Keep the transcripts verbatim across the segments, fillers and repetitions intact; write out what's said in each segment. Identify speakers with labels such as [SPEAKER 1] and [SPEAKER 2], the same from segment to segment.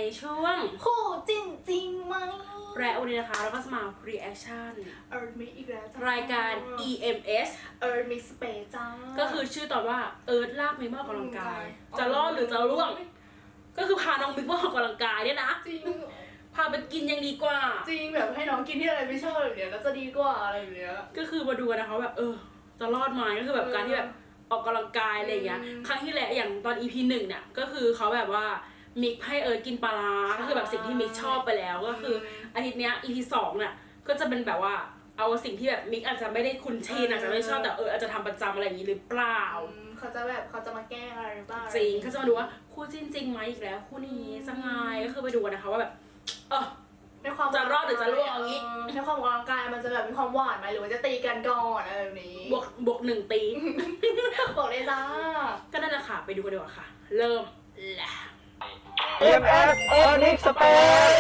[SPEAKER 1] ช่วง
[SPEAKER 2] คู่จริงจริงไหม
[SPEAKER 1] และวันนี้นะคะเราก็จะมา reaction
[SPEAKER 2] เอิร์ธมิกอีกแล้วจ้าร
[SPEAKER 1] ายการ อี เอ็ม เอส
[SPEAKER 2] เอิร์ธมิกสเปซจ้า
[SPEAKER 1] ก็คือชื่อตอนว่าเอิร์ธลากมิกมาออกกำลังกายจะรอดหรือจะร่วงก็คือพาน้องมิกมาออกกำลังกายเนี่ยนะ
[SPEAKER 2] จริง
[SPEAKER 1] พาไปกินยังดีกว่า
[SPEAKER 2] จริงแบบให้น้องกินที่อะไรไม่ชอบแบบเนี้ยก็จะดีกว่าอะไรแบบเนี้ย
[SPEAKER 1] ก็คือมาดูกันนะคะแบบเออจะรอดไหมก็คือแบบการที่แบบออกกำลังกายอะไรอย่างเงี้ยครั้งที่แล้วอย่างตอน อี พี หนึ่งเนี่ยก็คือเขาแบบว่ามิกให้เอิร์ธกินปลาร้าก็คือแบบสิ่งที่มิกชอบไปแล้วก็คืออาทิตย์เนี้ย อี พี สองเนี่ยก็จะเป็นแบบว่าเอาสิ่งที่แบบมิกอาจจะไม่ได้คุ้นชินอาจจะไม่ชอบแต่เอออาจจะทำประจำอะไรอย่างนี้หรือเปล่า
[SPEAKER 2] เขาจะแบบเขาจะมาแก้อะไรหรือเปล่า
[SPEAKER 1] จริงเขาจะมาดูว่าคู่จริงจริงไหมอีกแล้วคู่นี้จะไงก็คือไปดูกันนะคะว่าแบบเออ
[SPEAKER 2] ในความ
[SPEAKER 1] จะรอดหรือจะร่วงอย่างนี้
[SPEAKER 2] ในความออกกำลังกายมันจะแบบมีความหวานไหมหรือว่าจะตีกันก่อนอะไรแบบนี้
[SPEAKER 1] บวกบวกหนึ่งตี
[SPEAKER 2] บอกเลยจ้า
[SPEAKER 1] ก็นั่นแหละค่ะไปดูกันดีกว่าค่ะ เริ่มแหละ
[SPEAKER 3] อี เอ็ม เอส Earning Space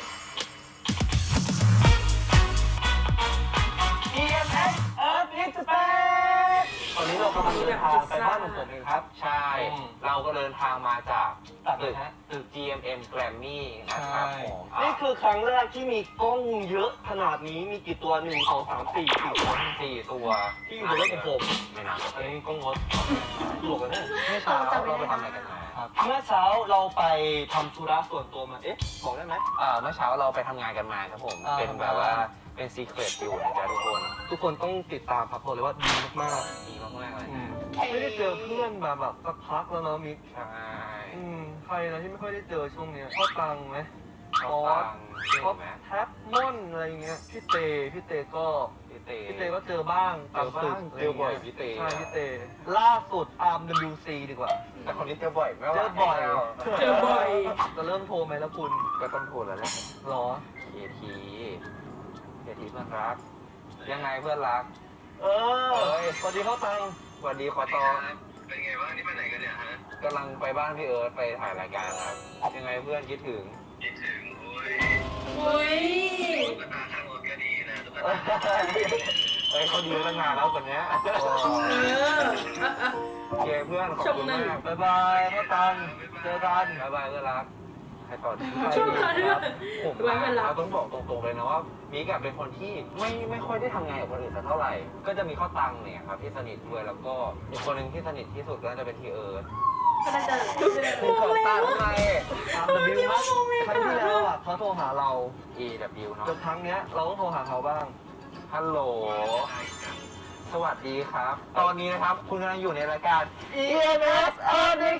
[SPEAKER 3] อี เอ็ม เอส Earning Space ตอนนี้เรากำลังเดินทางไปบ้านของผมเองครับ
[SPEAKER 4] ใช่ เราก็เดินทางมาจาก
[SPEAKER 3] ตึก
[SPEAKER 4] ตึก จี เอ็ม เอ็ม Grammy นะครับผม
[SPEAKER 3] นี่คือครั้งแรกที่มีกล้องเยอะขนาดนี้มีกี่ตัวหนึ่งสองสามสี่สี่ตัว
[SPEAKER 4] สี่ตัว
[SPEAKER 3] ที่อยู่บนรถของผม
[SPEAKER 4] ไม่นับ
[SPEAKER 3] อันนี้กล้องรถตลกกันเนี่ยเมื่อ
[SPEAKER 4] เช้า
[SPEAKER 3] เช้า
[SPEAKER 4] เราไปทำอะไรกันมา
[SPEAKER 3] ครับเมื่อเช้าเราไปทำธุระส่วนตัวมาเอ๊ะบอกได้ไหม
[SPEAKER 4] เอ่อเมื่อเช้าเราไปทำงานกันมาครับผม
[SPEAKER 3] อ่า
[SPEAKER 4] เป็นแบบว่าเป็นซีเครตอยู่นะจ๊ะทุกคน
[SPEAKER 3] ทุกคนต้องติดตามครับบอกเลยว่าดีมาก
[SPEAKER 4] ดีมากๆเลย
[SPEAKER 3] ๆอืมไม่ได้เจอเพื่อนมาแบบสักพักแล้วเนาะมิก
[SPEAKER 4] ใช่
[SPEAKER 3] อืมใครนะที่ไม่ค่อยได้เจอช่วงเนี้ยพ่อตังไหม
[SPEAKER 4] เขาฟังเก่ง
[SPEAKER 3] พ่อ
[SPEAKER 4] ไหม
[SPEAKER 3] แท็บม่อนอะไรเงี้ยพี่เตพี่เตก็
[SPEAKER 4] พี่เต
[SPEAKER 3] พี่เตก็เจอบ้าง
[SPEAKER 4] เจอบ้างเจอบ่อยพี่เต
[SPEAKER 3] ใช่พี่เตล่าสุดอาร์ม ดับเบิลยู ซี ดีกว่า
[SPEAKER 4] แต่คนนี้เจอบ่อยไม่ว่า
[SPEAKER 3] เจอบ่อย
[SPEAKER 1] เจอบ่อย
[SPEAKER 3] จะเริ่มโทรไหมแล้วคุณ
[SPEAKER 4] ก็ต้องโทรแล้วแหละ
[SPEAKER 3] หรอ
[SPEAKER 4] เคทีเคทีเพื่อนรัก ยังไงเพื่อนรัก
[SPEAKER 3] เออสวัสดีพ่อตัง
[SPEAKER 4] สวัสดีขอตอง
[SPEAKER 5] เป็นไงบ้างนี่ไปไหนกันเนี่ยฮะ
[SPEAKER 4] กำลังไปบ้านพี่เอิร์ธไปถ่ายรายการครับ ยังไงเพื่อนคิดถึง
[SPEAKER 5] คิดถึงโอ้ย
[SPEAKER 1] อุ้ย
[SPEAKER 5] ตุ๊กตาข้างรถก็ดีนะตุ๊ก
[SPEAKER 3] เอ
[SPEAKER 5] ตา
[SPEAKER 4] เฮ้ยเขาดีตั้งนานแล้วคนเนี้ย
[SPEAKER 1] เออ
[SPEAKER 4] โอเคเพื่อนขอบคุณมาก
[SPEAKER 3] บ๊ายบายพ่อตังเจอกัน
[SPEAKER 4] บ๊ายบายเพื่อนรักใครต่อดี
[SPEAKER 1] ชอบเขาด้วย
[SPEAKER 4] ผม
[SPEAKER 1] ไว้เวลา
[SPEAKER 4] เราต้องบอกตรงๆเลยนะว่ามิกอะเป็นคนที่ไม่ไม่ค่อยได้ทำงานกับคนอื่นสักเท่าไหร่ ก็จะมีข้อตังเนี่ยครับที่สนิทด้วยแล้วก็อีกคนหนึ่งที่สนิทที่สุดก็จะเป็นพี่เอิร์ธ
[SPEAKER 2] ก็น่าจะ
[SPEAKER 4] คุณขอตามทำไม
[SPEAKER 3] อาร์ม ดับเบิลยู ครั้งที่แล้วอ่ะเขาโทรหาเรา
[SPEAKER 4] อี ดับเบิลยู เนาะ
[SPEAKER 3] จนครั้งเนี้ยเราต้องโทรหาเขาบ้าง
[SPEAKER 4] ฮัลโหลสวัสดีครับ ตอนนี้นะครับคุณกำลังอยู่ในรายการ
[SPEAKER 3] อี เอ็ม เอส Earning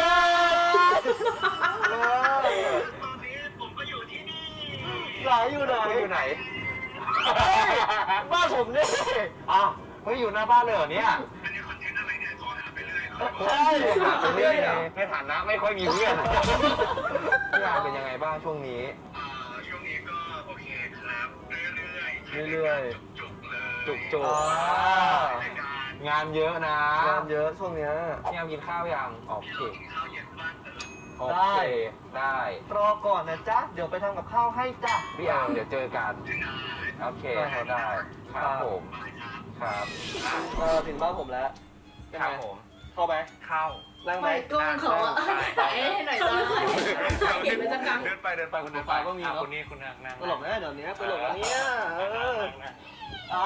[SPEAKER 3] Space
[SPEAKER 5] ตอนนี้ผมก็อยู่ที่นี่
[SPEAKER 3] ไหนอยู่ไหน
[SPEAKER 4] คุณอยู่ไหน
[SPEAKER 3] บ้านผมเนี่ย
[SPEAKER 4] อ้าวเฮ้ยอยู่หน้าบ้านเลยเหรอเนี่ย
[SPEAKER 5] อันนี้คอนเทนต์อะไรเนี่ยขอหาไปเรื่อยเหรอ
[SPEAKER 3] ใช่
[SPEAKER 4] หาไปเรื่อยเลยในฐานะไม่ค่อยมีเพื่อนพี่อาร์มเป็นยังไงบ้างช่วงนี้
[SPEAKER 5] อ่าช่วงนี้ก็โอเคครับเรื่อยๆ
[SPEAKER 3] เรื่อยๆ
[SPEAKER 5] จุกๆเลย
[SPEAKER 4] จุกจุก
[SPEAKER 3] อ่า
[SPEAKER 5] รายการ
[SPEAKER 4] งานเยอะนะ
[SPEAKER 3] งานเยอะช่วงเนี้ย
[SPEAKER 4] พี่อาร์มกินข้าวยังโอ
[SPEAKER 5] ที่
[SPEAKER 4] เค
[SPEAKER 5] เรากินข้าวเย็นบ้านเออ
[SPEAKER 4] โอ
[SPEAKER 3] ได้
[SPEAKER 4] เคได้
[SPEAKER 3] รอก่อนนะจ๊ะ เดี๋ยวไปทำกับข้าวให้จ้ะ
[SPEAKER 4] พี่อาร์มเดี๋ยวเจอกัน
[SPEAKER 5] ถึงไหน
[SPEAKER 4] โอเคเขาได้ครับผม
[SPEAKER 5] บายครับ
[SPEAKER 4] ครับ
[SPEAKER 3] เออถึงบ้านผมแล้วเป็น
[SPEAKER 4] ครั
[SPEAKER 3] ไง
[SPEAKER 4] บผม
[SPEAKER 3] เข้าไหม
[SPEAKER 4] เข้า
[SPEAKER 3] นั่งไหม
[SPEAKER 2] ไม่กุ้งเขาอะไหนให้หน่อย
[SPEAKER 1] เขา
[SPEAKER 2] จ้า
[SPEAKER 1] ไม่เคยเห็นเป็นจักรัง
[SPEAKER 4] เดินไปเดินไปคุณเดินไปก็มีคนนี้คุณนั่งนั่ง
[SPEAKER 3] ตลกแน่เดี๋ยวนี้ตลกอันเนี้ยเอออ่า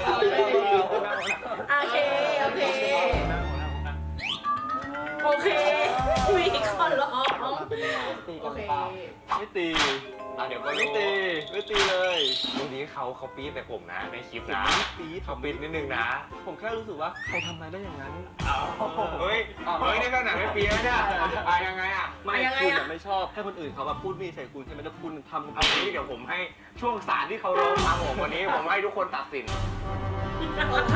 [SPEAKER 1] โอเค โอเค โอเค มีคนร้อง
[SPEAKER 3] ตี
[SPEAKER 2] โอ
[SPEAKER 3] กัน
[SPEAKER 2] เค
[SPEAKER 3] เปล่าไม่ตี
[SPEAKER 4] อ่ะเดี๋ยวก็
[SPEAKER 3] ไม่
[SPEAKER 4] รู้
[SPEAKER 3] ตีไม่ตีเลย
[SPEAKER 4] ตรงนี้เขาเขาปี๊ดแต่ผมนะในคลิป
[SPEAKER 3] ผม
[SPEAKER 4] นะ
[SPEAKER 3] ไม่ได้ปี๊ด
[SPEAKER 4] เขาปี๊ดนิดนึงนะ
[SPEAKER 3] ผมแค่รู้สึกว่าใครทำอะไรได้อย่างนั้น
[SPEAKER 4] เฮ้ยเฮ้ยนี่ก็หนังไม่ปี๊ดแล้วเนี่ยอ่ะยังไงอ่ะ
[SPEAKER 3] ไม่
[SPEAKER 1] ยังไง
[SPEAKER 3] คุณ
[SPEAKER 1] อะ
[SPEAKER 3] อะไม่ชอบให้คนอื่นเขาแบบพูดมีใส่คุณใช่ไหมแล้วคุณทำ
[SPEAKER 4] เอางี้เดี๋ยวผมให้ช่วงสารที่เขาร้องมาผมวันนี้ผมให้ทุกคนตัดสิน
[SPEAKER 2] โอเค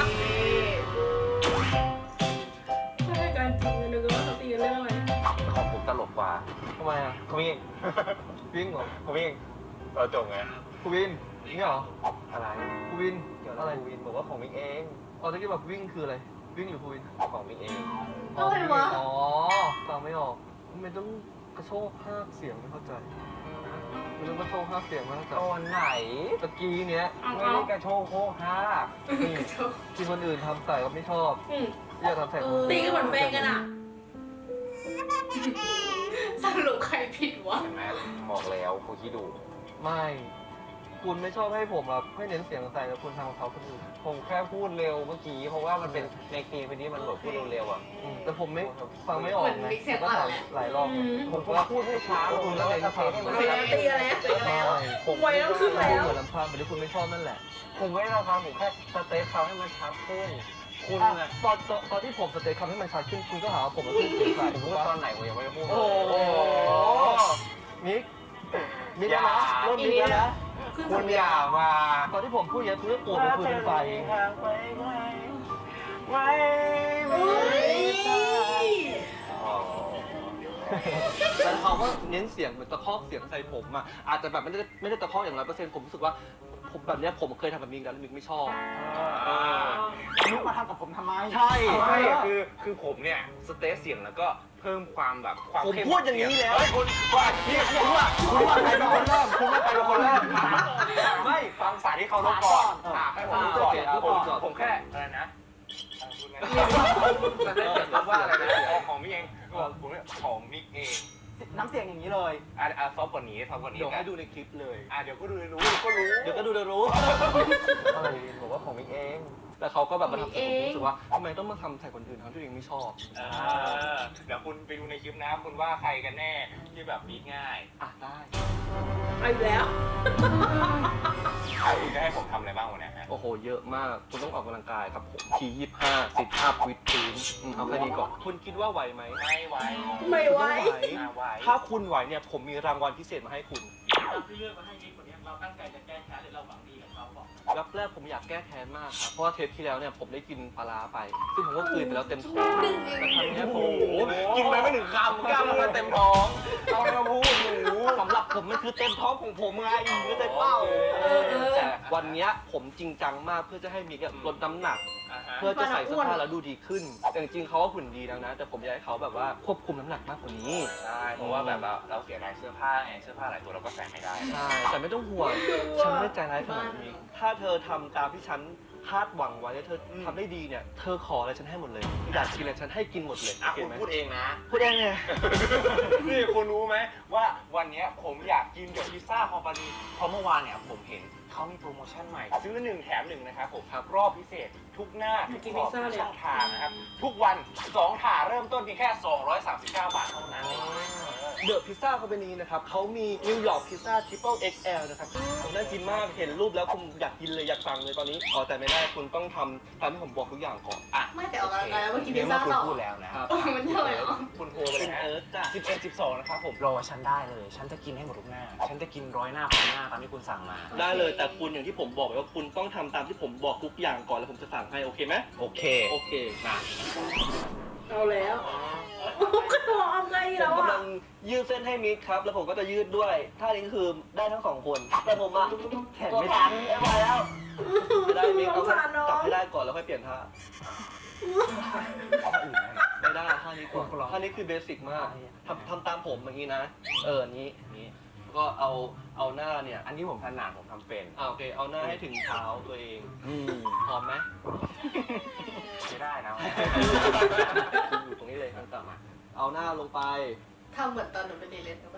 [SPEAKER 1] ไม่ใช่การจริงเลยนึกว่าเขาตีกันเรื่องอะไร
[SPEAKER 4] ของผมตลกกว่า
[SPEAKER 3] ทำไมอ่ะ
[SPEAKER 4] คุณวิ่ง
[SPEAKER 3] วิ่งเหรอ
[SPEAKER 4] คุณวิ่งเราจงไง
[SPEAKER 3] คุณวินนี่เหรอ
[SPEAKER 4] อะไร
[SPEAKER 3] คุณวิน
[SPEAKER 4] เกี่ยว
[SPEAKER 3] อะ
[SPEAKER 4] อะไร ไรวินบอกว่าของมิกเอง
[SPEAKER 3] อ๋อตะกี้แบบวิ่งคืออะไร วิ่งหรือคุณวิน
[SPEAKER 4] ของมิกเอง
[SPEAKER 2] อะไรวะ
[SPEAKER 3] อ๋อฟังไม่ออกทำไมต้องกระโชกภาคเสียงไม่เข้าใจไม่ต้องกระโชกภาคเสียงไม่เข้าใจ
[SPEAKER 4] ตอนไหน
[SPEAKER 3] ตะกี้เนี้ย
[SPEAKER 1] เอา
[SPEAKER 4] ไม่
[SPEAKER 1] เอา
[SPEAKER 4] ได้กระโชกโคกฮาก
[SPEAKER 3] ที่คนอื่นทำใส่ก็ไม่ชอบ
[SPEAKER 1] อืม
[SPEAKER 3] อยากทำใส่คนอื่น
[SPEAKER 1] ตีกันเหมือนแฟนกันอ่ะ
[SPEAKER 2] สักรุปใครผิดวะ
[SPEAKER 4] เห็นไหมบอกแล้วคุณคิดดู
[SPEAKER 3] ไม่ คุณไม่ชอบให้ผมแบบไม่เน้นเสียงใส่แล้วคุณทำกับเขาคนอื่น
[SPEAKER 4] ผมแค่พูดเร็วเมื่อกี้เพราะว่ามันเป็นในคลิปนี้มันแบบพูดเร็วๆอ่ะ
[SPEAKER 3] อืมแต่ผมไม่ฟังไม่ออก
[SPEAKER 2] เหมือน
[SPEAKER 3] ไง
[SPEAKER 2] มิกเสียง
[SPEAKER 3] ก็
[SPEAKER 2] อ่อน
[SPEAKER 3] ถาม
[SPEAKER 2] แหละ
[SPEAKER 3] หลายรอบไง
[SPEAKER 1] อืม
[SPEAKER 3] ผมก็
[SPEAKER 4] พูดให้ช้า
[SPEAKER 3] แล้วคุณก็เลย
[SPEAKER 4] แล้ว
[SPEAKER 3] ทำ
[SPEAKER 4] ให้มัน
[SPEAKER 1] เฮ้ยตีอะไรอะตีอะไรอะ
[SPEAKER 3] ผม
[SPEAKER 1] ไว้แล้วขึ้นแล้ว
[SPEAKER 3] เหมือนลำพังเหมือนที่คุณไม่ชอบนั่นแหละ
[SPEAKER 4] ผมไม่ได้ทำผมแค่สเตปเขาให้มันชัดขึ้น คุณ
[SPEAKER 3] อ่ะ
[SPEAKER 4] น่ะ
[SPEAKER 3] ตอนตอนตอนที่ผมสเตทคำให้มันชัดขึ้นคุณก็หาว่าผมมาขึ้นเสียงใส่
[SPEAKER 4] ผม
[SPEAKER 3] ถู
[SPEAKER 4] พู
[SPEAKER 3] ก
[SPEAKER 4] ด
[SPEAKER 3] ปะ
[SPEAKER 4] ตอนไหนผมยังไม่ได้พูด
[SPEAKER 3] โอ้โหมิกมิกแล้วนะเริ่มมิกแล้วนะ
[SPEAKER 4] คุณอย่ามา
[SPEAKER 3] ตอนที่ผมพูดเยอะคุณก็โกรธเป็นฟืนเป็นไฟ
[SPEAKER 4] ไม่
[SPEAKER 1] เฮ้ย
[SPEAKER 3] แล้วเขาก็เน้นเสียงเหมือนตะคอกเสียงใส่ผมอ่ะอาจจะแบบไม่ได้ไม่ได้ตะคอกอย่างร้อยเปอร์เซ็นต์ผมรู้สึกว่าผมแบบเนี้ยผมเคยทำแบบมิกแล้วมิกไม่ชอบ
[SPEAKER 6] นุกมาทำกับผมทำไม
[SPEAKER 3] ใช่
[SPEAKER 4] ไม่คือคือผมเนี่ยสเตปเสียงแล้วก็เพิ่มความแบบความ
[SPEAKER 3] ผม
[SPEAKER 4] เข้
[SPEAKER 3] พูดอย่างนี้แล้ว
[SPEAKER 4] เฮ้ยคุณว่าพี่คุณว่าคุณว่าใครเป็นคนเริ่มคุณว่าใครเป็นคนเริ่ม
[SPEAKER 3] ไม่
[SPEAKER 4] ฟังสายที่เขาลบก่อน
[SPEAKER 3] อ่ะ
[SPEAKER 4] อ่ะให้ผมพูดก่อน
[SPEAKER 3] อ่ะ
[SPEAKER 4] ผม
[SPEAKER 3] พูดก่อน
[SPEAKER 4] ผมแค่อะไรนะสเตปเสียงว่าอะไรนะของของมิกเองผมเนี่ยของมิกเอง
[SPEAKER 6] น้ำเสียงอย่างนี้เลย
[SPEAKER 4] อ่ะอ่ะซอฟต์กว่านี้ซอฟต์กว่านี้
[SPEAKER 3] เดี๋ยว
[SPEAKER 4] กั
[SPEAKER 3] ให้
[SPEAKER 4] น
[SPEAKER 3] ดูในคลิปเลย
[SPEAKER 4] อ่ะเดี๋ยวก็ดูรู้เดี๋ยวก็รู้
[SPEAKER 3] เดี๋ยวก็ดูเดี๋ยวรู้
[SPEAKER 4] อะไรผมว่าของมิกเอง
[SPEAKER 3] แต่เขาก็แบบมาทำใส่ผมรู้สึกว่าทำไมต้องมาทำใส่คนอื่นทั้งที่ตัวเองไม่ชอบ
[SPEAKER 4] อ่าเดี๋ยวคุณไปดูในคลิปนะคุณว่าใครกันแน่ที่แบบมิกง่าย
[SPEAKER 3] อ่ะได้
[SPEAKER 1] เอาอีกแล้ว
[SPEAKER 4] อ่ะคุณจะให้ผมทำอะไรบ้างวันนี้ฮะ
[SPEAKER 3] โอ้โหเยอะมากคุณต้องออกกำลังกายครับผมทียี่ห้าสิบอัพวิดพื้นอืมเอาแค่นี้ก่อนคุณคิดว่าไหวไหม
[SPEAKER 4] ไม่ไหว
[SPEAKER 1] ไม่ไหว
[SPEAKER 4] อ่ะไหว
[SPEAKER 3] ถ้าคุณไหวเนี่ยผมมีรางวัลพิเศษมาให้คุณ
[SPEAKER 7] ที่เลือกมาให้มิกคนนี้เราตั้งใจจะแก้แค้นหรือเราหวังดีกับเขาบอก
[SPEAKER 3] แรกแรกผมอยากแก้แค้นมากครับ เพราะว่าเทปที่แล้วเนี่ยผมได้กินปลาร้าไป ซึ่งผมก็กลืนไปแล้วเต็มท้องแต่ครั้งเนี้ยผม
[SPEAKER 4] โอ้โหกินไปไม่ถึงคำกล้ามเนื้อเต็มท้องเอาอะไรมาพูดหนู
[SPEAKER 3] สำหรับผมมันคือเต็มท้องของผมไงเข้าใจเปล่า
[SPEAKER 1] เออเออ
[SPEAKER 3] แต่วันเนี้ยผมจริงจังมากเพื่อจะให้มิกอะลดน้ำหนัก
[SPEAKER 4] อ่ะฮะ
[SPEAKER 3] เพื่อจะใส่เสื้อผ้าแล้วดูดีขึ้น แต่จริงๆเขาก็หุ่นดีแล้วนะ แต่ผมอยากให้เขาแบบว่าควบคุมน้ำหนักมากกว่านี้
[SPEAKER 4] ใช่เพราะว่าแบบเราเราเสียดายเสื้อผ้าไงเสื้อผ้าหลายตัวเราก็ใส่ไม่ได้
[SPEAKER 3] ใช่ แต่ไม่ต้องห่วง ฉันไม่ได้ใจร้ายขนาดนี้ ถ้าเธอทำตามที่ฉันคาดหวังไว้แล้วเธอทำได้ดีเนี่ย เธอขออะไรฉันให้หมดเลย อยากกินอะไรฉันให้กินหมดเลย
[SPEAKER 4] อ่ะ
[SPEAKER 3] โอเค
[SPEAKER 4] คุณ
[SPEAKER 3] ไหม
[SPEAKER 4] พูดเองนะ
[SPEAKER 3] พูดเองไง
[SPEAKER 4] นี่คุณรู้ไหมว่าวันเนี้ยผมอยากกินกับพิซซ่าคอมพานีเพราะเมื่อวานเนี่ยผมเห็นเขามีโปรโมชั่นใหม่ ซื้อหนึ่งแถมหนึ่งนะครับผมครับรอบพิเศษทุกหน้าทุก
[SPEAKER 1] กิน
[SPEAKER 4] ขอบ
[SPEAKER 1] พิซซ่า
[SPEAKER 4] ทุก
[SPEAKER 1] เลย
[SPEAKER 4] ช่องทางนะครับ ทุกวันสองถาเริ่มต้นเพียงแค่สองร้อยสามสิบเก้าบาทเท่านั้น
[SPEAKER 3] เดอะพิซซ่าคอมพานีนะครับเขามีนิวยอร์กพิซซ่าทริปเปิลเอ็กซ์แอลนะครับผมน่ากินมากเห็นรูปแล้วผมอยากกินเลยอยากสั่งเลยตอนนี้อ๋อแต่ไม่ได้คุณต้องทำตามที่ผมบอกทุกอย่างก่อน
[SPEAKER 4] อ่ะ
[SPEAKER 2] ไม่แต่ออกกำลังกายแล้วเมื่อกี้
[SPEAKER 4] เดี๋
[SPEAKER 2] พิ
[SPEAKER 4] ย
[SPEAKER 2] ซ
[SPEAKER 4] วเมื่
[SPEAKER 2] ซ่า
[SPEAKER 4] อคุณ
[SPEAKER 2] ต่อ
[SPEAKER 4] พูดแล้วนะครับ
[SPEAKER 2] เออมันเท่าไหร่อ่ะ
[SPEAKER 4] คุณโทรไปเลยนะ
[SPEAKER 3] เอิร์ธจ้ะ
[SPEAKER 4] สิบเอ็ดสิบสองนะครับผมรอฉันได้เลย ฉันจะกินให้หมดทุกหน้า ฉันจะกินร้อยหน้าพันหน้าตามที่คุณสั่งมา
[SPEAKER 3] ได้เลยแต่คุณอย่างที่ผมบอกไว้ว่าคุณต้องทำตามที่ผมบอกทุกอย่างก่อนแล้วผมจะสั่งให้โอเคไหม
[SPEAKER 4] โอเค
[SPEAKER 3] โอเค
[SPEAKER 4] นะ
[SPEAKER 1] เอาแล้วก็ตัวเอาไง
[SPEAKER 3] ผ
[SPEAKER 1] แล้ว
[SPEAKER 3] มกำลั
[SPEAKER 1] อ่ะ
[SPEAKER 3] งยืดเส้นให้มิกครับ แล้วผมก็จะยืดด้วยท่านี้ก็คือได้ทั้งสองคนแต่ผมอะ
[SPEAKER 6] แขนไม่ทัน
[SPEAKER 3] ไม่ไหวแล้วไม่ได้มิก
[SPEAKER 1] ส
[SPEAKER 3] เอา
[SPEAKER 1] งสารน้อง
[SPEAKER 3] จับให้ได้ก่อนแล้วค่อยเปลี่ยนท่าไม่ได้ท่านี้ก่อนท่านี้คือเบสิกมากทำทำตามผมอย่างนี้นะ เอออันนี้นี้ก็เอาเอาหน้าเนี่ย
[SPEAKER 4] อันนี้ผมถนัดผมทำเป็น
[SPEAKER 3] อ่าโอเคเอาหน้าให้ถึงเท้าตัวเอง
[SPEAKER 4] อืม
[SPEAKER 3] พร้อมไหม
[SPEAKER 4] ไม่ได้นะ
[SPEAKER 3] อยู่ตรงนี้เลยต่างๆเอาหน้าลงไป
[SPEAKER 2] ทำเหมือนตอนหนูเป็นเด็กเล่นกัน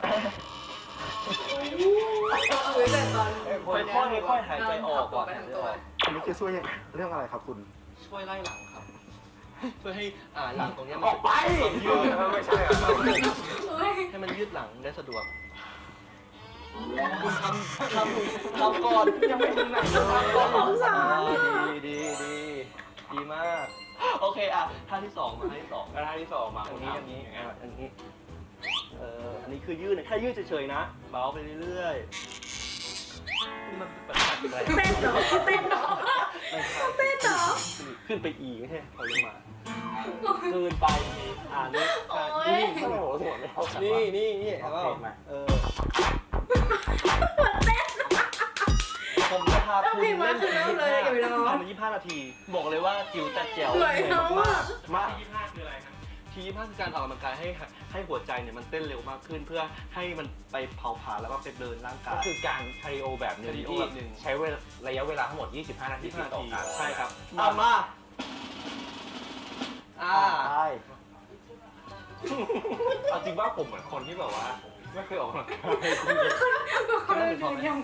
[SPEAKER 2] คุยแต่ตอน
[SPEAKER 3] ค่อยๆค่อยๆหายใจออกก่อน
[SPEAKER 2] ไปทั้งตัว
[SPEAKER 6] อันนี้คือช่วยเรื่องอะไรครับคุณ
[SPEAKER 3] ช่วยไล่หลังครับ ช่วยให้อ่าหลังตรงเนี้ย
[SPEAKER 4] อ
[SPEAKER 3] มัน
[SPEAKER 4] อกไป
[SPEAKER 3] ยืด
[SPEAKER 4] ไม่ใช่เหรอ
[SPEAKER 3] ให้มันยืดหลังได้สะดวกคุณทำทำทำก่อนยังไม่ถึงไหนเลยทำก่อน
[SPEAKER 1] สงสาร
[SPEAKER 3] อ่
[SPEAKER 1] อ่ะ
[SPEAKER 3] ดีดีดีดีมาก โอเคอ่ะท่าที่สองมาท่าที่สอง
[SPEAKER 4] แล้วท่าที่สองมา
[SPEAKER 3] อั
[SPEAKER 4] คุ
[SPEAKER 3] น
[SPEAKER 4] ณ
[SPEAKER 3] นี้
[SPEAKER 4] ทำ
[SPEAKER 3] อันนี้
[SPEAKER 4] ยังไง
[SPEAKER 3] อ่ะอันนี้เอ่ออันนี้คือยืดนะแค่ยืดเฉยๆนะเบาไปเรื่อยๆนี่มันเป็นปัญหาอะไร
[SPEAKER 1] เต้นเหรอเต้นเหรอเต้นเหรอ
[SPEAKER 3] ขึ้นไปอีกไม่ใช่ถอยลงมาเกินไปอ่านี่
[SPEAKER 2] โอ๊ย
[SPEAKER 3] นี่
[SPEAKER 4] โอ้โหสวยไม่เท่ากัน
[SPEAKER 3] นี่นี่นี่เอา
[SPEAKER 4] โอเคมา
[SPEAKER 3] เออผมจะพาคุณเล่นถึงยี่สิบห้าทำยี่สิบห้านาที บอกเลยว่าจิ๋วแต่แจ๋ว
[SPEAKER 1] เหนื่อยแล้วอะ
[SPEAKER 3] มาก
[SPEAKER 7] ที่ยี่ห้าคืออะไรครับ
[SPEAKER 3] ทียี่สิบห้าคือการออกกำลังกายให้ให้หัวใจเนี่ยมันเต้นเร็วมากขึ้น เพื่อให้มันไปเผาผลาญแล้วก็ไปเดินร่างกา
[SPEAKER 4] ก็
[SPEAKER 3] ย
[SPEAKER 4] คือการคาร์ดิโอแบบหนึ่ง
[SPEAKER 3] คาร์ดิโอ
[SPEAKER 4] ที่
[SPEAKER 3] แบบหนึ่ง
[SPEAKER 4] ใช้เวลาระยะเวลาทั้งหมด ยี่สิบห้า นาที
[SPEAKER 3] ยี่สิบ
[SPEAKER 4] ติ
[SPEAKER 3] ห้า
[SPEAKER 4] ดต่อ
[SPEAKER 3] นาที
[SPEAKER 4] กัน
[SPEAKER 3] ใช่ครับเอามาอ่า
[SPEAKER 6] ได้
[SPEAKER 4] เอาจริงว่าผมเหมือนคนที่แบบว่า ไม่เคยออกกำลังกาย
[SPEAKER 2] คนละยืนยัง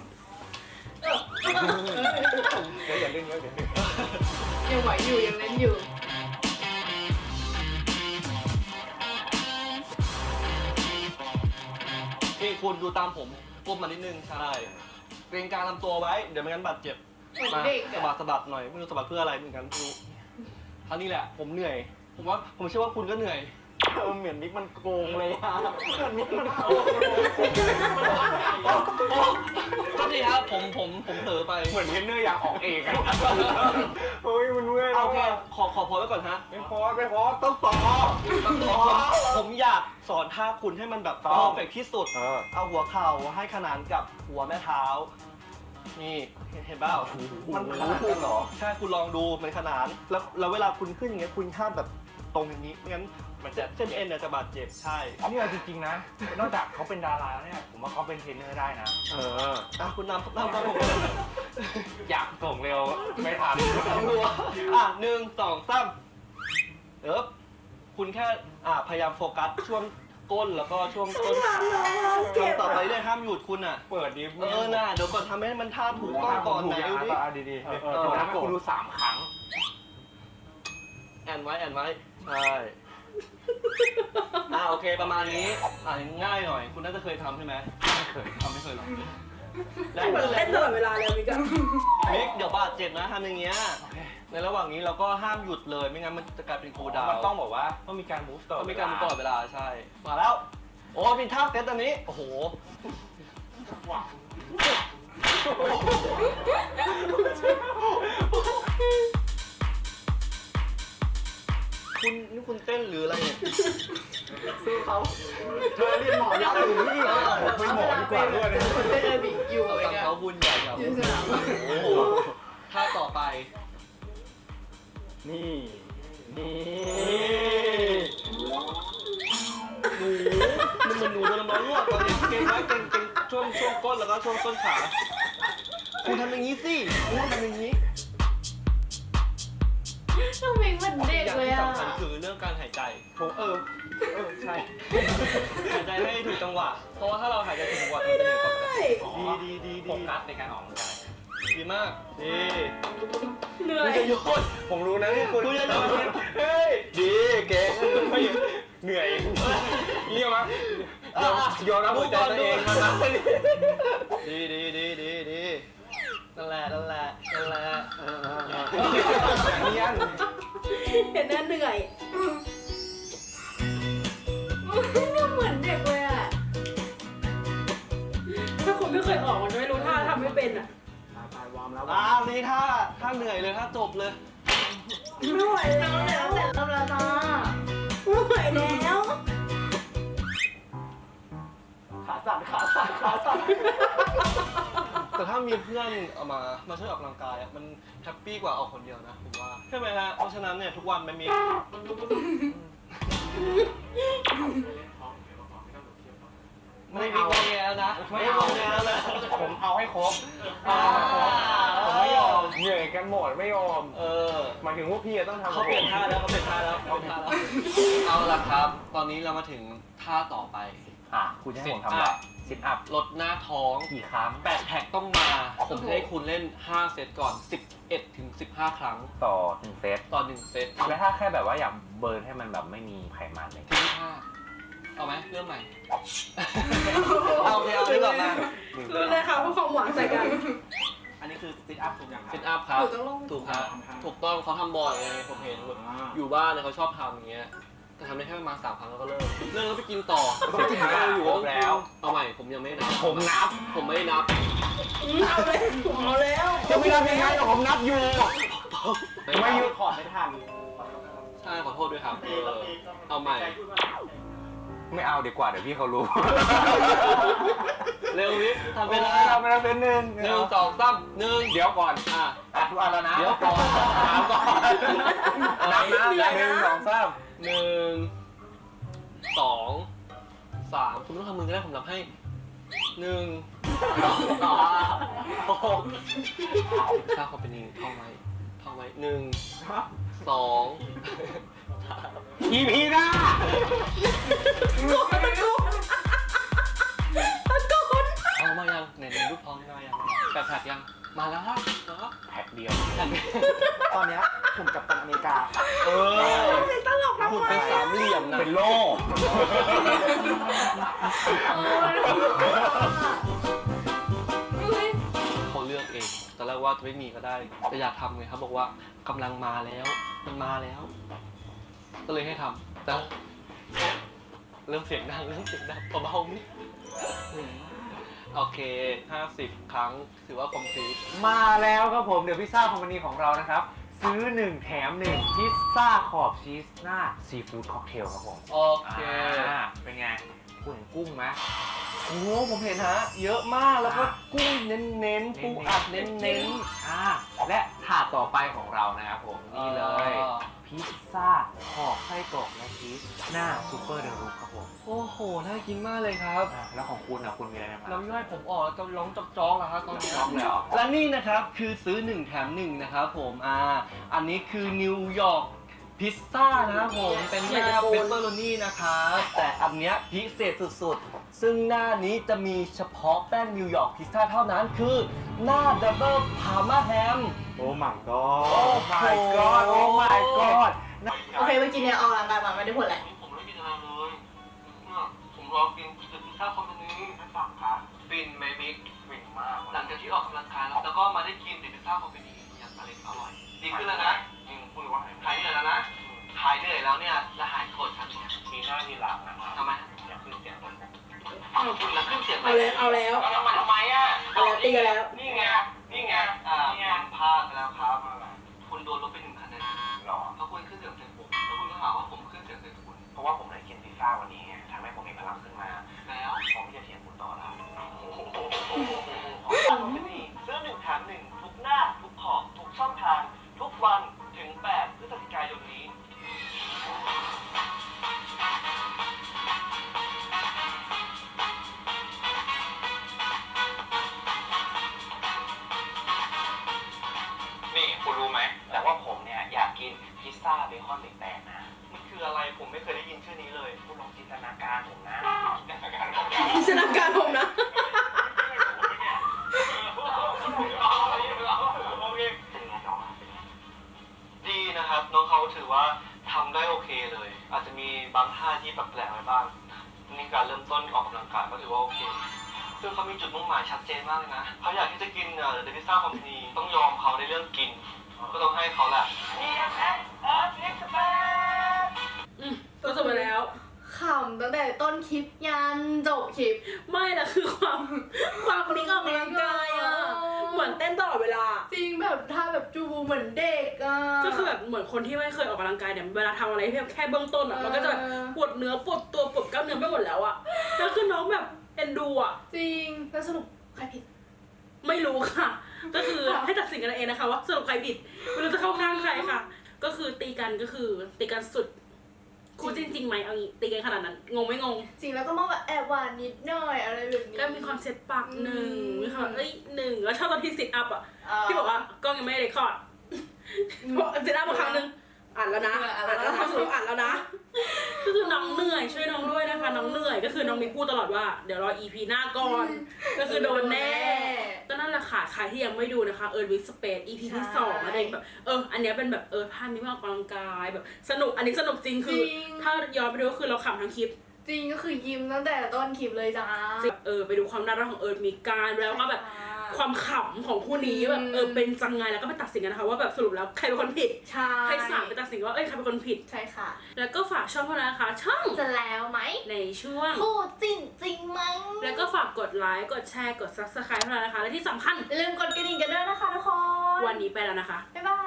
[SPEAKER 4] เดี๋ยวอย่าเล่นเยอะเดี๋ยว
[SPEAKER 2] ยังไหวอยู่ยังเล่นอยู่
[SPEAKER 3] นี่คุณดูตามผมก้มมานิดนึงใช่เกรงกลางลำตัวไว้ เดี๋ยวไม่งั้นบาดเจ็บ
[SPEAKER 2] เหมือน
[SPEAKER 3] มา
[SPEAKER 2] เด็ก
[SPEAKER 3] สะ
[SPEAKER 2] อะ
[SPEAKER 3] บัดสะบัดหน่อยไม่รู้สะบัดเพื่ออะไรเหมือนกันไม่รู้คราวนี้แหละผมเหนื่อย ผมว่าผมเชื่อว่าคุณก็เหนื่อย
[SPEAKER 6] เออเหมือนมิกมันโกงเลยอะเหมือนมิกมันโกงเลย
[SPEAKER 3] ก็ดีครับผมผมผมเผลอไป
[SPEAKER 4] เหมือนเทรนเนอร์อยากออกเองอะเฮ้ยมันเมื่อย
[SPEAKER 3] เอา
[SPEAKER 4] แล้ว
[SPEAKER 3] แค่
[SPEAKER 4] อะ
[SPEAKER 3] ขอขอพอไว้ก่อนฮะ
[SPEAKER 4] ไม่พอไม่พอต้องต่อ
[SPEAKER 3] ผมผมอยากสอนท่าคุณให้มันแบบ
[SPEAKER 4] ต้
[SPEAKER 3] เพ
[SPEAKER 4] อง
[SPEAKER 3] อร์เฟกที่สุด
[SPEAKER 4] เออ
[SPEAKER 3] เอาหัวเข่าให้ขนานกับหัวแม่เท้า นี่เห็นเปล่ามันขนานกันเหรอ ใช่คุณลองดูมันขนาน แล้วแล้วเวลาคุณขึ้นอย่างเงี้ยคุณห้ามแบบตรงอย่างนี้ไม่งั้นมันจะเส้นเอ็นเนี่ยจะบาดเจ็บใช่
[SPEAKER 4] นี่เอาจริงๆนะ นอกจากเขาเป็นดาราแล้วเนี่ย ผมว่าเขาเป็นเทรนเนอร์ได้นะ
[SPEAKER 3] เอออ่ะคุณนำนำนำผม
[SPEAKER 4] อยากส่งเร็วไม่ทัน
[SPEAKER 3] หัวอ่ะหนึ่งสองสามเออคุณแค่อ่ะพยายามโฟกัสช่วงก้นแล้วก็ช่วงต้นขาทำต่อไปเรื่อยห้ามหยุดคุณอ่ะ
[SPEAKER 4] เปิดดิ
[SPEAKER 3] เออน่ะเดี๋ยวก่อนทำให้มันท่าถูกต้องก่อนไหนดูดิ
[SPEAKER 4] อ่ะดีๆเออเออผมทำให้คุณดูสามครั้ง
[SPEAKER 3] แอนไว้แอนไว้ใช่อ่าโอเคประมาณนี้อ่าง่ายหน่อย คุณน่าจะเคยทำใช่ไหมไม่เคยทำไม่เคยหรอก
[SPEAKER 1] เหมือนเต้นตลอดเวลาเลยมิกอะ
[SPEAKER 3] มิกเดี๋ยวบาดเจ็บนะทำอย่างเงี้ยในระหว่างนี้เราก็ห้ามหยุดเลยไม่งั้นมันจะกลายเป็นคูลดาว
[SPEAKER 4] มันต้องบอกว่าต้องมีการ move ต่อ
[SPEAKER 3] ต้องมีการตลอดเวลาใช่มาแล้ว โอ้มีท่าเซตอันนี้โอ้โหคุณนี่คุณเต้นหรืออะไรเนี่ย
[SPEAKER 6] สู้เขาเธอเรียนหมอยักษ์อยู่นี่
[SPEAKER 4] ผมเป็นหมอดีกว่าด้วย
[SPEAKER 2] คนเต้นเออร์บิกอยู่
[SPEAKER 3] เอา
[SPEAKER 2] เลย
[SPEAKER 3] ตาม
[SPEAKER 2] เนี่ย
[SPEAKER 3] เขาบุญใหญ่ครับ
[SPEAKER 2] อยู่สนาม
[SPEAKER 3] โอ้โหท่าต่อไป
[SPEAKER 6] นี่ นี่
[SPEAKER 3] หนูมันเหมือนหนูโดนน้ำร้อนลวกตอนนี้เก่งไว้เก่งเก่งช่วงช่วงก้นแล้วก็ช่วงต้นขาคุณทำอย่างนี้สิคุณทำอย่างนี้
[SPEAKER 2] น้องมิกเหมือนเด็ก
[SPEAKER 3] อย่าง
[SPEAKER 2] เลย
[SPEAKER 3] ที่
[SPEAKER 2] อะ
[SPEAKER 3] สำคัญคือเรื่องการหายใจ
[SPEAKER 6] ผมเออ เออ ใช่
[SPEAKER 3] หายใจให้ถูกจังหวะ เพราะว่าถ้าเราหายใจถูกจังหวะมันจะเหนื่อยกว่าปกติดีดีดี
[SPEAKER 4] โฟ
[SPEAKER 3] ดี
[SPEAKER 4] กัสในการออกกำลังกาย
[SPEAKER 3] ดีมากดี
[SPEAKER 1] เหนื่อ
[SPEAKER 3] คุณ
[SPEAKER 1] ย
[SPEAKER 3] จะโยน
[SPEAKER 4] ผมรู้นะที่คุณ
[SPEAKER 3] คุณจะโยน
[SPEAKER 4] เฮ้ย ดีเก่งไม่เหนื่อยเยี่ยมมั้ยยอมยอมรับหัวใจตัวเองมานะ
[SPEAKER 3] ดีดีดีดีดีนั่นแหละนั่นแหละนั่นแหละเออเออเออ
[SPEAKER 4] เนียน
[SPEAKER 1] เห็นหน้าเหนื่อย
[SPEAKER 2] เหมือนเด็กเลยอะ
[SPEAKER 1] ถ้าคุณไม่เคยออกมันจะไม่รู้ท่าทำไม่เป็นอ่ะ
[SPEAKER 6] ตายวอร์มแล้ว
[SPEAKER 3] อ่านี่ถ้าถ้าเหนื่อยเลยถ้าจบเลย
[SPEAKER 1] ไม่ไหว
[SPEAKER 2] น้
[SPEAKER 1] แล้
[SPEAKER 2] อง
[SPEAKER 1] ว
[SPEAKER 2] แต่ตั้งแต่ตั้งแต่ตา
[SPEAKER 1] ไม่ไหวแล้ว
[SPEAKER 6] ขาสั่นขาสั่นขาสั่น
[SPEAKER 3] แต่ถ้ามีเพื่อนเอามามาช่วยออกกำลังกายอะมันแฮปปี้กว่าออกคนเดียวนะผมว่าใช่ไหมฮะเพราะฉะนั้นเนี่ยทุกวันมันมีไม่มีงอแงแล้วนะไม่งอแงแล้วนะ
[SPEAKER 4] ผมเอาให้ครบ
[SPEAKER 3] อ่า
[SPEAKER 4] ผมไม่ยอมเหนื่อยกันหมดไม่ยอม
[SPEAKER 3] เออ
[SPEAKER 4] หมายถึงพวกพี่อะต้องทำ
[SPEAKER 3] เขาเปลี่ยนท่าแล้วเขาเปลี่ยนท่าแล้วเขาเปลี่ยนท่าแล้วเอาละครับ ตอนนี้เรามาถึงท่าต่อไป
[SPEAKER 4] อ่ะคุณจะให้ผมทำอะไรซิทอัพ
[SPEAKER 3] ลดหน้าท้อง
[SPEAKER 4] กี่ครั้ง
[SPEAKER 3] แปดแท็กต้องมา ผมจะให้คุณเล่นห้าเซตก่อนสิบเอ็ดถึงสิบห้าครั้ง
[SPEAKER 4] ต่อหนึ่งเซต
[SPEAKER 3] ต่อหนึ่งเซต
[SPEAKER 4] แล้วถ้าแค่แบบว่าอยากเบิร์นให้มันแบบไม่มีไขมันเลย
[SPEAKER 3] ทิ้งท่าเอาไหมเริ่มใหม่ เอาเดี๋ยวเอาดีกว่ามา
[SPEAKER 1] รู้เลยค่ะเพราะความหวังใส่กัน
[SPEAKER 6] อันนี้คือซิทอัพถูกอย่างครั
[SPEAKER 3] ซิ
[SPEAKER 6] บ
[SPEAKER 3] ทอัพครับ
[SPEAKER 2] หนูต้องลง
[SPEAKER 3] ถูกครับถูกต้องเขาทำบ่อยไงผมเห็นแบบอยู่บ้านเนี่ยเขาชอบทำอย่างเงี้ยแต่ทำได้แค่ประมาณสามครั้งแล้วก็เลิกเลิกแล้วไปกินต่อ
[SPEAKER 4] ต้องกินต่อ
[SPEAKER 3] อยู่
[SPEAKER 4] ครบแล้ว
[SPEAKER 3] เอาใหม่ผมยังไม่นับ
[SPEAKER 4] ผมนับ
[SPEAKER 3] ผมไม่ได้นับ
[SPEAKER 1] เอาเลยเอาแล้ว
[SPEAKER 4] จะไม่นับยังไงหรอผมนับอยู่ ไม่หยุด
[SPEAKER 6] ขอดไม่ทัน
[SPEAKER 3] ใช่ขอโทษด้วยครับเออเอาใหม่
[SPEAKER 4] ไม่เอาดีกว่าเดี๋ยวพี่เขารู้
[SPEAKER 3] เร็วนิดทำไป
[SPEAKER 4] ไม่
[SPEAKER 3] แล้
[SPEAKER 4] ได้
[SPEAKER 3] ว
[SPEAKER 4] ไม่ได้เป็นหนึ่ง
[SPEAKER 3] หนึ่งสองสามหนึ่ง
[SPEAKER 4] เดี๋ยวก่อน
[SPEAKER 3] อ่ะ
[SPEAKER 4] อ่ะทุกอันแล้วนะ
[SPEAKER 3] เดี๋ยวก่อนถามก่อน
[SPEAKER 4] นับนะหนึ่งสองสาม
[SPEAKER 3] หนึ่งสองสามคุณไม่ต้องทำมือก็ได้ผมนับให้หนึ่งสองสามหกถ้าเขาเป็นนี้ท่องไว้ทท่องไว้หนึ่งสอง
[SPEAKER 4] อีพีหน้า
[SPEAKER 3] เอามายังไหนๆรูปท้องมายังแปดแผกยังมาแล้วครับแล้ว
[SPEAKER 4] แพ็คเดียว
[SPEAKER 6] ตอนเนี้ยผมกับตันอเมริกา
[SPEAKER 3] เออหุ่นเป็นสามเหลี่ยมนะ
[SPEAKER 4] เป็นโล่
[SPEAKER 3] เขาเลือกเองตอนแรกว่าจะไม่มีก็ได้แต่อยากทำไงครับบอกว่ากำลังมาแล้วมันมาแล้ว ก็เลยให้ทำแต่เริ่มเสียงดังเริ่มเสียงดังเบาๆนิดโอเคห้าสิบครั้งถือว่าคอมพลีท
[SPEAKER 4] มาแล้วครับผมเดี๋ยวพิซซ่าคอมพานีของเรานะครับ ซื้อหนึ่งแถมหนึ่งพิซซ่าขอบชีสหน้าซีฟู้ดค็อกเทลครับผม
[SPEAKER 3] โอเค
[SPEAKER 4] อ่าเป็นไงคุณเห็นกุ้งไหม
[SPEAKER 3] โอ้โหผมเห็นฮะเยอะมากแล้วก็กุ้งเน้นๆปูอัดเน้น
[SPEAKER 4] อ่าและถาดต่อไปของเรานะครับผม
[SPEAKER 3] ๆ
[SPEAKER 4] นี่เลย
[SPEAKER 3] อ่า
[SPEAKER 4] พิซซ่าขอบไส้กรอกและชีสหน้าซูเปอร์เดลูครับผม
[SPEAKER 3] โอ้โหน่ากินมากเลยครับ
[SPEAKER 4] อ่าแล้วของคุณนะคุณมีอะไรมา
[SPEAKER 3] น้ำย่อยผมออกแล้วจะร้องจอกๆแล้วครับตอนนี้
[SPEAKER 4] จอกเลยเหรอ
[SPEAKER 3] และนี่นะครับคือซื้อหนึ่งแถมหนึ่งนะครับผมอ่าอันนี้คือนิวยอร์กพิซซ่านะครับผมเป็นหน้าเปปเปอโรนี่นะครับแต่อันเนี้ยพิเศษสุดๆ ซึ่งหน้านี้จะมีเฉพาะแป้งนิวยอร์กพิซซ่าเท่านั้นคือหน้าดับเบิลพาร์มาแฮม
[SPEAKER 6] โอ้ my
[SPEAKER 3] โอ้
[SPEAKER 6] god
[SPEAKER 4] โอ้ my god โอ้ my god
[SPEAKER 2] โอเคเมื่อกี้เนี่ยออกกำลังกายมาไม่ได้ผลแหละ
[SPEAKER 3] ผมไม่กินอะไรเลยเนี่ยผมรอกินพิซซ่าคอมพานีให้ฝากครับฟินไหมบิ๊ก
[SPEAKER 4] ฟินมาก
[SPEAKER 3] หลังจากที่ออกกำลังกายแล้วแล้วก็มาได้กินพิซซ่าคอมพานีอย่างอร่อยอร่อยดีขึ้นแล้วนะ
[SPEAKER 4] จริงพูดว่า
[SPEAKER 3] หายเหนื่อยแล้วนะหายเหนื่อยแล้วเนี่ยจะหายโกรธฉันเนี่ย
[SPEAKER 4] ทีหน้าทีหลังนะครับ
[SPEAKER 3] ทำไม
[SPEAKER 4] อย่าขึ้นเสียงผม
[SPEAKER 3] อ้าวคุณละขึ้นเสียงไป
[SPEAKER 1] เอาแล้วเอาแล้ว
[SPEAKER 3] เอาแล้วมาทำไมอ่ะ
[SPEAKER 1] เอาแล้วตีกันแล้ว
[SPEAKER 3] นี่ไงนี่ไงอ่าคุณพลาดไปแล้วครับคุณโดนลบไปหนึ่งคะแนน
[SPEAKER 4] หรอ
[SPEAKER 3] เพราะคุณขึ้นเสียงใส่ผมแล้วคุณก็หาว่าผมขึ้นเสียงใส่คุณ
[SPEAKER 4] เพราะว่าผมได้กินพิซซ่าวันนี้ไงทำให้ผมมีพลังขึ้นมา
[SPEAKER 3] แล้ว
[SPEAKER 4] ผมจะเถียงคุณต่อแล้ว
[SPEAKER 3] ซื้อหนึ่งแถมหนึ่งทุกหน้าทุกขอบทุกช่องทางทุกวันถึงแปดพฤศจิกายนนี้
[SPEAKER 4] นี่คุณรู้ไหมแต่ว่าผมเนี่ยอยากกินพิซซ่าเบคอนเบรกแตกนะ
[SPEAKER 3] มันคืออะไรผมไม่เคยได้ยินชื่อนี้เลย
[SPEAKER 4] คุณลองจินตนาการผมนะจินตนาการผม
[SPEAKER 1] จินตนาการผมนะ
[SPEAKER 3] ดีนะครับน้องเขาถือว่าทำได้โอเคเลย อาจจะมีบางท่าที่แปลกๆไว้บ้างนี่การเริ่มต้นออกกำลังกายก็ถือว่าโอเคซึ่งเขามีจุดมุ่งหมายชัดเจนมากเลยนะเขาอยากที่จะกินเอ่อเดลิซ่าคอมพานีต้องยอมเขาในเรื่องกิน ก็ต้องให้เขาแหละ
[SPEAKER 1] อืมก็จบไปแล้ว
[SPEAKER 2] ขำตั้งแต่ต้นคลิปยันจบคลิป
[SPEAKER 1] ไม่ละคือความความนี้ก็ออกกำลังกายอ่ะ เหมือนเต้นตลอดเวลา
[SPEAKER 2] จริงแบบท่าแบบจูเหมือนเด็กอ่ะ
[SPEAKER 1] ก็คือแบบเหมือนคนที่ไม่เคยออกกำลังกายเนี่ยเวลาทำอะไรแค่แค่เบื้องต้นอ่ะมันก็จะแบบปวดเนื้อปวดตัวปวดกล้ามเนื้อไปหมดแล้วอ่ะแล้วคือน้องแบบเอ็นดูอ่ะ
[SPEAKER 2] จริงแล้วสรุปใครผิด
[SPEAKER 1] ไม่รู้ค่ะ ก็คือให้ตัดสินกันเองนะคะว่าสรุปใครผิดไม่รู้จะเข้าข้างใครค่ะ ก็คือตีกันก็คือตีกันสุดคู่จริงๆไหมเอางี้ตีกันขนาดนั้นงงไม่งง
[SPEAKER 2] จริงแล้วก็มองแบบแอบหวานนิดหน่อยอะไรแบบนี้
[SPEAKER 1] ก็มีความเซ็ตปากหนึ่ง
[SPEAKER 2] อืม
[SPEAKER 1] มีความเอ้ยหนึ่งแล้วชอบตอนที่ซิทอัพอ่ะ
[SPEAKER 2] เอ่อ
[SPEAKER 1] ที่บอกว่ากล้องยังไม่ได้เรคคอร์ดเพราะซิทอัพมาครั้งหนึงอ่านแล้วนะ
[SPEAKER 2] อ่า
[SPEAKER 1] อ่าน
[SPEAKER 2] อ่านแล้
[SPEAKER 1] แล้ว
[SPEAKER 2] ว
[SPEAKER 1] ทำสรุปอ่านแล้วนะ ก็คือน้องเหนื่อยช่วยน้องด้วยนะคะ น้องเหนื่อยก็คือน้องมีพูดตลอดว่าเดี๋ยวรอ อี พี หน้าก่อน ก็คือโดนแน่ ก็นั่นแหละค่ะใครที่ยังไม่ดูนะคะเอิร์ธวิสเปซ อี พี ที่สองอะไรแบบเอออันเนี้ยเป็นแบบเออภาพนี้มาออกกำลังกายแบบสนุกอันนี้สนุกจริงคือ ถ้าย้อนไปดูก็คือเราขำทั้งคลิป
[SPEAKER 2] จริงก็คือยิ้มตั้งแต่ต้นคลิปเลยจ้า
[SPEAKER 1] เออไปดูความน่ารักของเอิร์ธมีการแล้วก็แบบความขำของคู่นี้แบบเออเป็นจังไงแล้วก็ไปตัดสินกันนะคะว่าแบบสรุปแล้วใครเป็นคนผิด
[SPEAKER 2] ใช่
[SPEAKER 1] ให้สามไปตัดสินว่าเอ้ยใครเป็นคนผิด
[SPEAKER 2] ใช่ค่ะ
[SPEAKER 1] แล้วก็ฝากช่องพวกเรานะคะ ช่อง
[SPEAKER 2] จะแล้วไหม
[SPEAKER 1] ในช่วง
[SPEAKER 2] คู่จริงจริงมั้ง
[SPEAKER 1] แล้วก็ฝากกดไลค์กดแชร์กด ซับสไครบ์พวกเรานะคะและที่สำคัญ
[SPEAKER 2] อย่าลืมกดกระดิ่งกันด้วยนะคะทุกคน
[SPEAKER 1] วันนี้ไปแล้วนะคะ
[SPEAKER 2] บ๊ายบาย